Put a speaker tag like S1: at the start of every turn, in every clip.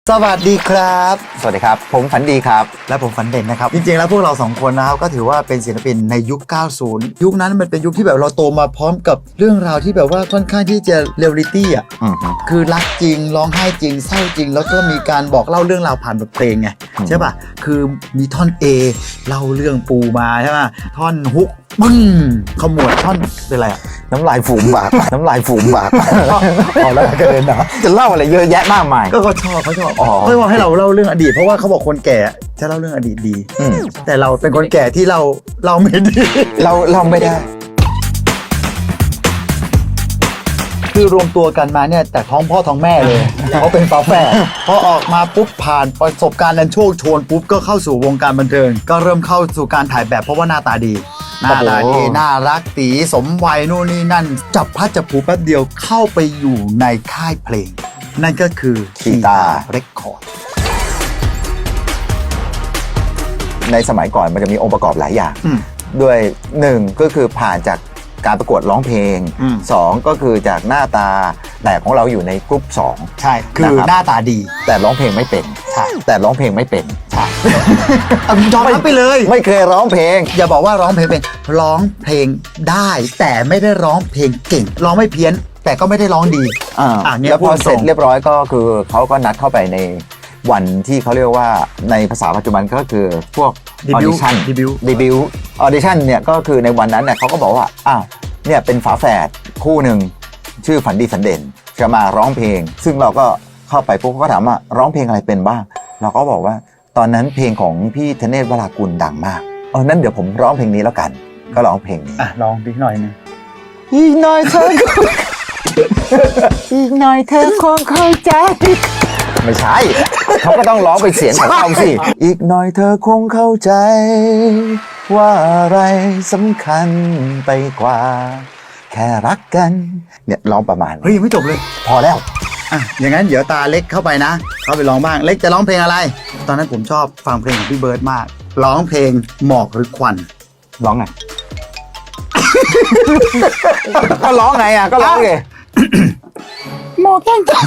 S1: สวัสดีครับ
S2: สวัสดีครับผมฝันดีครับ
S1: และผมฝันเด่นนะครับจริงๆแล้วพวกเรา2คนนะครับก็ถือว่าเป็นศิลปินในยุค 90 ยุคนั้นมันเป็นยุคที่แบบเราโตมาพร้อมกับเรื่องราวที่แบบว่าค่อนข้างที่จะเรียลลิตี้อ่ะคือรักจริงร้องไห้จริงเศร้าจริงแล้วก็มีการบอกเล่าเรื่องราวผ่านบทเพลงไงใช่ป่ะคือมีท่อน A เล่าเรื่องปูมาใช่ป่ะท่อนฮุกปึ้งขมวดท่อนเป็นอะไรอ่ะ
S2: น้ำลายฝูงบากน้ำลายฝูงบากเอาแล้วกระเด็นนะจะเล่าอะไรเยอะแยะมากมาย
S1: ก็เขาชอบเขาบอกให้เราเล่าเรื่องอดีตเพราะว่าเขาบอกคนแก่จะเล่าเรื่องอดีตดีแต่เราเป็นคนแก่ที่เราไม่ดี
S2: เราไม่ได้
S1: คือรวมตัวกันมาเนี่ยแต่ท้องพ่อท้องแม่เลยเขาเป็นฝาแฝดพอออกมาปุ๊บผ่านประสบการณ์อันโชคโชนปุ๊บก็เข้าสู่วงการบันเทิงก็เริ่มเข้าสู่การถ่ายแบบเพราะว่าหน้าตาดีน่ารักตีสมวัยนู่นนี่นั่นจับพัดจับผูแป๊บเดียวเข้าไปอยู่ในค่ายเพลงนั่นก็คือ
S2: คีตา
S1: เรคคอร์ด
S2: ในสมัยก่อนมันจะมีองค์ประกอบหลายอย่างด้วย1ก็คือผ่านจากการประกวดร้องเพลง2ก็คือจากหน้าตาแต่ของเราอยู่ในกรุ๊ป2
S1: ใช่คือหน้าตาดี
S2: แต่ร้องเพลงไม่เป็น
S1: ใช่
S2: แต่ร้องเพลงไม่เป็น
S1: ใช่ยอมรับไปเลย
S2: ไม่เคยร้องเพลง
S1: อย่าบอกว่าร้องเพลงเป็นร้องเพลงได้แต่ไม่ได้ร้องเพลงเก่งร้องไม่เพี้ยนแต่ก็ไม่ได้ร้องดี
S2: แล้วพอเสร็จเรียบร้อยก็คือเขาก็นัดเข้าไปในวันที่เขาเรียกว่าในภาษาปัจจุบันก็คือพวกออดิชั่นเดบิวต์ออดิชั่นเนี่ยก็คือในวันนั้นเนี่ยเขาก็บอกว่าอ้าวเนี่ยเป็นฝาแฝดคู่หนึ่งชื่อฝันดีฝันเด่นจะมาร้องเพลงซึ่งเราก็เข้าไปปุ๊บก็ถามว่าร้องเพลงอะไรเป็นบ้างเราก็บอกว่าตอนนั้นเพลงของพี่ธเนศวรากุลดังมากนั้นเดี๋ยวผมร้องเพลงนี้แล้วกันก็ร้องเพลงนี้
S1: ร้องพี่หน่อยนึง
S2: อีกหน่อยเธออีกหน่อยเธอคงเข้าใจไม่ใช่เขาก็ต้องร้องเป็นเสียงของเขาสิอีกหน่อยเธอคงเข้าใจว่าอะไรสำคัญไปกว่าแค่รักกันเนี่ยร้องประมาณ
S1: เฮ้ยยังไม่จบเลย
S2: พอแล้ว
S1: อย่างนั้นเดี๋ยวตาเล็กเข้าไปนะเข้าไปร้องบ้างเล็กจะร้องเพลงอะไรตอนนั้นผมชอบฟังเพลงของพี่เบิร์ดมากร้องเพลงหมอกหรือควัน
S2: ร้องไง ก็ร้องไงก็ร้องไง
S1: หมอกแก้งจัง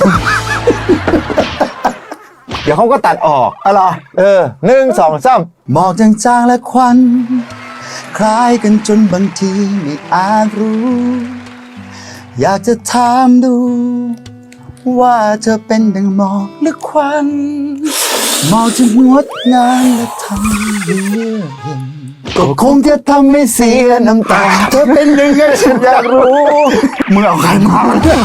S2: เดี๋ยวเขาก็ตัดออก
S1: อะไร
S2: 1 2 3
S1: หมอกจางๆและควันคล้ายกันจนบางทีไม่อาจรู้อยากจะถามดูว่าเธอเป็นดังหมอกหรือควันหมอกจะงดงามและทำให้เลือกเห็นก็คงจะทำให้เสียน้ำตาเธอเป็นยังไงฉันอยากรู้มึงเอาใครมา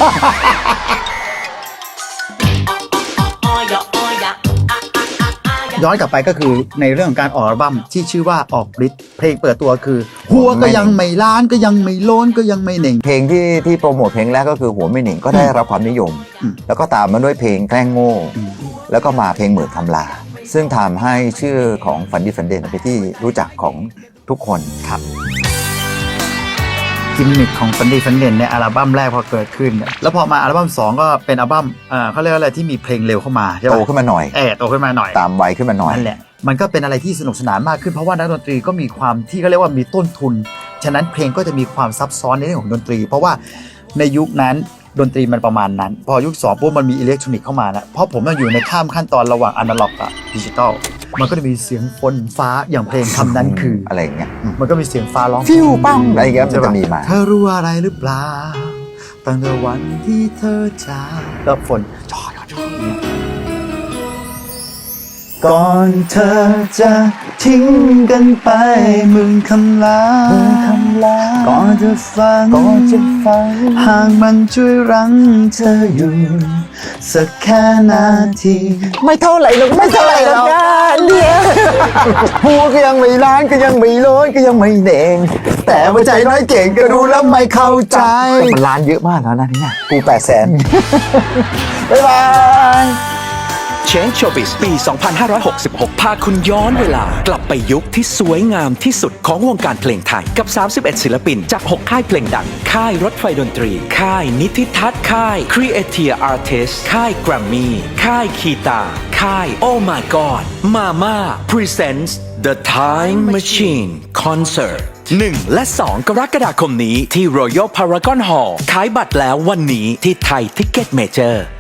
S1: ย้อนกลับไปก็คือในเรื่องของการออกอัลบั้มที่ชื่อว่าออกฤทธิ์เพลงเปิดตัวคือหัวก็ยังไม่ล้านก็ยังไม่โล้นก็ยังไม่เหน่ง
S2: เพลงที่โปรโมทเพลงแรกก็คือหัวไม่เหน่งก็ได้รับความนิยมแล้วก็ตามมาด้วยเพลงแกล้งโง่แล้วก็มาเพลงหมื่นคำลาซึ่งทำให้ชื่อของฝันดีฝันเด่นเป็นที่รู้จักของทุกคน
S1: ครับกิมมิคของฝันดีฝันเด่นในอัลบั้มแรกพอเกิดขึ้นแล้วพอมาอัลบั้ม2ก็เป็นอัลบั้มเขาเรียกว่าอะไรที่มีเพลงเร็วเข้ามาใช่ไหม
S2: โตขึ้นมาหน่อย
S1: โตขึ้นมาหน่อย
S2: ตามวัยขึ้นมาหน่อย
S1: นั่นแหละมันก็เป็นอะไรที่สนุกสนานมากขึ้นเพราะว่านักดนตรีก็มีความที่เขาเรียกว่ามีต้นทุนฉะนั้นเพลงก็จะมีความซับซ้อนในเรื่องของดนตรีเพราะว่าในยุคนั้นดนตรีมันประมาณนั้นพอยุค2ปุ๊บมันมีอิเล็กทรอนิกส์เข้ามาแล้วเพราะผมอยู่ในข้ามขั้นตอนระหว่างอนาล็อกกับดิจิตอลมันก็จะมีเสียงฝนฟ้าอย่างเพลงคำนั้นคือ
S2: อะไรอย่างเงี้ย
S1: มันก็มีเสียงฟ้าร้อง
S2: ฟิวปังอะไรอย่างเงี้ยมันจะมีมา
S1: เธอรู้อะไรหรือเปล่าตั้งแต่วันที่เธอจากแล้วฝนจ่อยเนี่ยก่อนเธอจะทิ้งกันไปหมื่นคำลาก่อนจะฟังหากมันช่วยรั้งเธออยู่สักแค่นาที
S2: ไม่เท่าไหร่หรอกไม่เท่าไหร่หรอกเนี่ยหัวก็ยังไม่ล้านก็ยังไม่โล้นก็ยังไม่เด่งแต่ว่าใจน้อยเก่งก็รู้แล้วไม่เข้าใจมันล้านเยอะมากแล้วนะเนี่ยกู800,000บ๊ายบาย
S3: Change Showbiz ปี 2566 พาคุณย้อนเวลากลับไปยุคที่สวยงามที่สุดของวงการเพลงไทยกับ 31 ศิลปินจาก 6 ค่ายเพลงดังค่ายรถไฟดนตรีค่ายนิติทัศน์ค่าย Creative Artists ค่าย Grammy ค่ายคีตาค่าย Oh My God Mama Presents The Time Machine Concert 1 และ 2 กรกฎาคมนี้ที่ Royal Paragon Hall ขายบัตรแล้ววันนี้ที่ไทย Ticket Major